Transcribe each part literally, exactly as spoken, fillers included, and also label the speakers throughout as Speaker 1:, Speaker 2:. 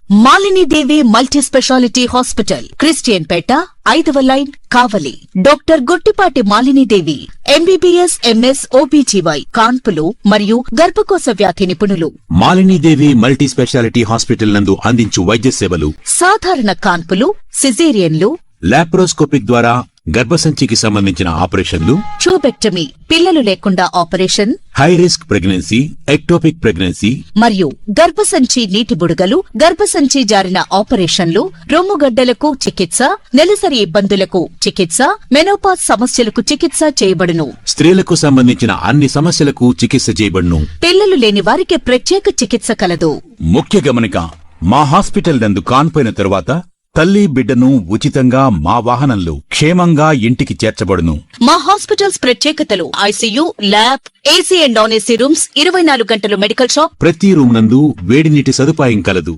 Speaker 1: Malini Devi multi speciality hospital, Christian Peta, ఐదవ line, Kavali. Doctor Gottipati Malinidevi, MBBS, MS, OBGY, కాన్పులు మరియు గర్భకోశ వ్యాధి నిపుణులు.
Speaker 2: మాలినీదేవి మల్టీ స్పెషాలిటీ హాస్పిటల్ నందు అందించు వైద్య సేవలు:
Speaker 1: సాధారణ కాన్పులు, సిజేరియన్లు,
Speaker 2: లాప్రోస్కోపిక్ ద్వారా గర్భసంచికి సంబంధించిన ఆపరేషన్లు,
Speaker 1: ట్యూబెక్టమీ, పిల్లలు లేకుండా operation,
Speaker 2: high risk pregnancy, ectopic pregnancy
Speaker 1: మరియు గర్భసంచి నీటి బుడగలు, గర్భసంచి జారిన ఆపరేషన్లు, రొమ్ముగడ్డలకు చికిత్స, నెలసరి ఇబ్బందులకు చికిత్స, మెనోపాజ్ సమస్యలకు చికిత్స చేయబడును.
Speaker 2: స్త్రీలకు సంబంధించిన అన్ని సమస్యలకు చికిత్స చేయబడును.
Speaker 1: పిల్లలు లేని వారికి ప్రత్యేక చికిత్స కలదు.
Speaker 2: ముఖ్య గమనిక: మా హాస్పిటల్ నందు కాన్పోయిన తరువాత తల్లి బిడ్డను ఉచితంగా మా వాహనంలో క్షేమంగా ఇంటికి చేర్చబడును.
Speaker 1: మా హాస్పిటల్స్ ప్రత్యేకతలు: ICU, lab, AC and non AC rooms, ఇరవై నాలుగు గంటలు మెడికల్ షాప్,
Speaker 2: ప్రతి రూమ్ నందు వేడి నీటి సదుపాయం కలదు.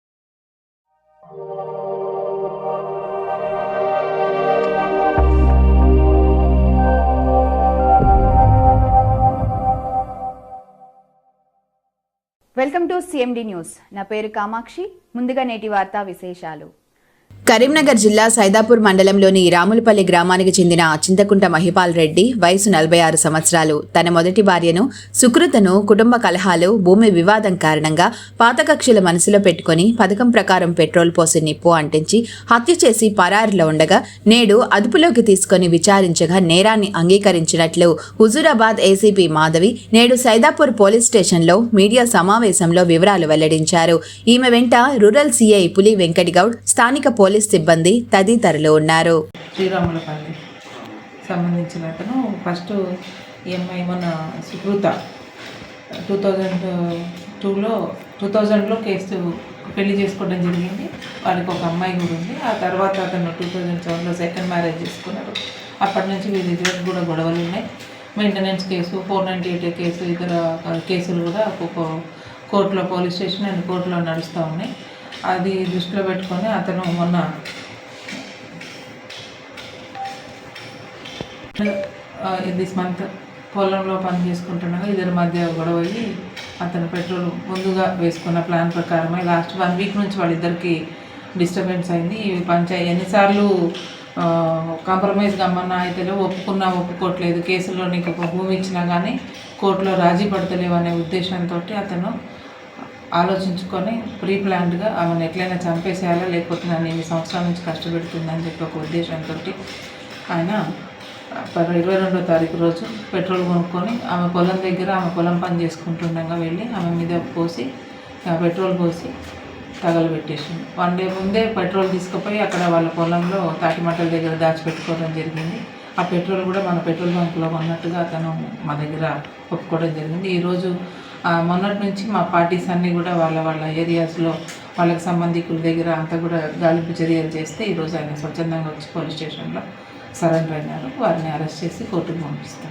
Speaker 3: Welcome to CMD news. నా పేరు కామాక్షి. ముందుగా నేటి వార్తా విశేషాలు.
Speaker 4: కరీంనగర్ జిల్లా సైదాపూర్ మండలంలోని రాములపల్లి గ్రామానికి చెందిన చింతకుంట మహిపాల్ రెడ్డి వయసు నలభై ఆరు సంవత్సరాలు తన మొదటి భార్యను సుకృతను కుటుంబ కలహాలు, భూమి వివాదం కారణంగా పాత కక్షల మనసులో పెట్టుకుని పథకం ప్రకారం పెట్రోల్ పోసి నిప్పు అంటించి హత్య చేసి పరారిలో ఉండగా నేడు అదుపులోకి తీసుకుని విచారించగా నేరాన్ని అంగీకరించినట్లు హుజూరాబాద్ ఏసీపీ మాధవి నేడు సైదాపూర్ పోలీస్ స్టేషన్లో మీడియా సమావేశంలో వివరాలు వెల్లడించారు. ఈమె వెంట రూరల్ సీఐ పులి వెంకటగౌడ్, స్థానిక పోలీస్ సిబ్బంది తదితరులు ఉన్నారు.
Speaker 5: శ్రీరాములపల్లి సంబంధించిన అతను ఫస్ట్ ఈఎంఐ మన సుకృత టూ థౌజండ్ టూలో టూ థౌజండ్లో కేసు పెళ్లి చేసుకోవడం జరిగింది. వాళ్ళకి ఒక అమ్మాయి కూడా ఉంది. ఆ తర్వాత అతను టూ థౌజండ్ సెవెన్లో సెకండ్ మ్యారేజ్ చేసుకున్నారు. అప్పటి నుంచి వీరి ఇద్దరికి కూడా గొడవలు ఉన్నాయి. Maintenance case, four ninety eight case, ఇతర కేసులు కూడా ఒక్కొక్క కోర్టులో, పోలీస్ స్టేషన్ అండ్ కోర్టులో నడుస్తూ ఉన్నాయి. అది దృష్టిలో పెట్టుకొని అతను మొన్న దిస్ మంత్ పొలంలో పని చేసుకుంటుండగా ఇద్దరి మధ్య గొడవ అయ్యి అతను పెట్రోల్ ముందుగా వేసుకున్న ప్లాన్ ప్రకారమై లాస్ట్ వన్ వీక్ నుంచి వాళ్ళిద్దరికి డిస్టర్బెన్స్ అయింది. ఈ పంచాయతీ ఎన్నిసార్లు కాంప్రమైజ్ గమ్మన్నా అయితే ఒప్పుకున్నా ఒప్పుకోవట్లేదు, కేసులో నీకు ఒక భూమి ఇచ్చినా కానీ కోర్టులో రాజీ పడతలేవు అనే ఉద్దేశంతో అతను ఆలోచించుకొని ప్రీ ప్లాన్డ్గా ఆమెను ఎట్లయినా చంపేసేయాలా, లేకపోతే నన్ను ఎన్ని సంవత్సరాల నుంచి కష్టపెడుతుందని చెప్పి ఒక ఉద్దేశంతో ఆయన ఇరవై రెండో తారీఖు రోజు పెట్రోల్ కొనుక్కొని ఆమె పొలం దగ్గర ఆమె పొలం పని చేసుకుంటుండగా వెళ్ళి ఆమె మీద పోసి పెట్రోల్ పోసి తగలబెట్టేసింది. వన్ డే ముందే పెట్రోల్ తీసుకుపోయి అక్కడ వాళ్ళ పొలంలో తాటిమట్టల దగ్గర దాచిపెట్టుకోవడం జరిగింది. ఆ పెట్రోల్ కూడా మన పెట్రోల్ బంకులో ఉన్నట్టుగా అతను మా దగ్గర ఒప్పుకోవడం జరిగింది. ఈరోజు మొన్నటి నుంచి మా పార్టీస్ అన్నీ కూడా వాళ్ళ వాళ్ళ ఏరియాస్లో వాళ్ళకి సంబంధికుల దగ్గర అంతా కూడా గాలింపు చర్యలు చేస్తే ఈరోజు ఆయన స్వచ్ఛందంగా వచ్చి పోలీస్ స్టేషన్లో సరెండర్ అయినారు. వారిని అరెస్ట్ చేసి కోర్టుకు పంపిస్తారు.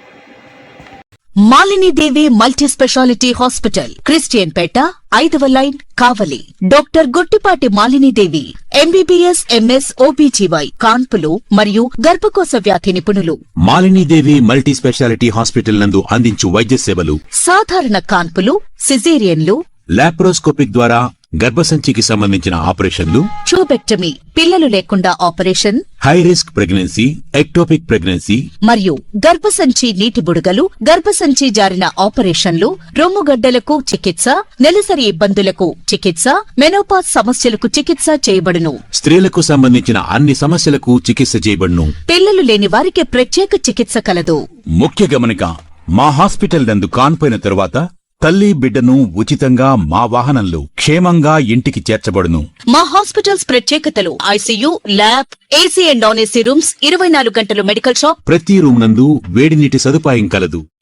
Speaker 1: Malinidevi multi speciality hospital, Christian Peta, ఐదవ line, Kavali. Doctor Gottipati Malinidevi, MBBS, MS, OBGY, కాన్పులు మరియు గర్భకోశ వ్యాధి నిపుణులు.
Speaker 2: మాలినీదేవి మల్టీ స్పెషాలిటీ హాస్పిటల్ నందు అందించు వైద్య సేవలు:
Speaker 1: సాధారణ కాన్పులు, సిజేరియన్లు,
Speaker 2: లాప్రోస్కోపిక్ ద్వారా గర్భసంచికి సంబంధించిన ఆపరేషన్లు,
Speaker 1: ట్యూబెక్టమీ, పిల్లలు లేకుండా operation,
Speaker 2: high risk pregnancy, ectopic pregnancy
Speaker 1: మరియు గర్భసంచి నీటి బుడగలు, గర్భసంచి జారిన ఆపరేషన్లు, రొమ్ముగడ్డలకు చికిత్స, నెలసరి ఇబ్బందులకు చికిత్స, మెనోపాజ్ సమస్యలకు చికిత్స చేయబడును.
Speaker 2: స్త్రీలకు సంబంధించిన అన్ని సమస్యలకు చికిత్స చేయబడును.
Speaker 1: పిల్లలు లేని వారికి ప్రత్యేక చికిత్స కలదు.
Speaker 2: ముఖ్య గమనిక: మా హాస్పిటల్ నందు కాన్పోయిన తరువాత తల్లి బిడ్డను ఉచితంగా మా వాహనంలో క్షేమంగా ఇంటికి చేర్చబడును.
Speaker 1: మా హాస్పిటల్స్ ప్రత్యేకతలు: ICU, lab, AC and non AC rooms, ఇరవై నాలుగు గంటలు మెడికల్ షాప్,
Speaker 2: ప్రతి రూమ్ నందు వేడి నీటి సదుపాయం కలదు.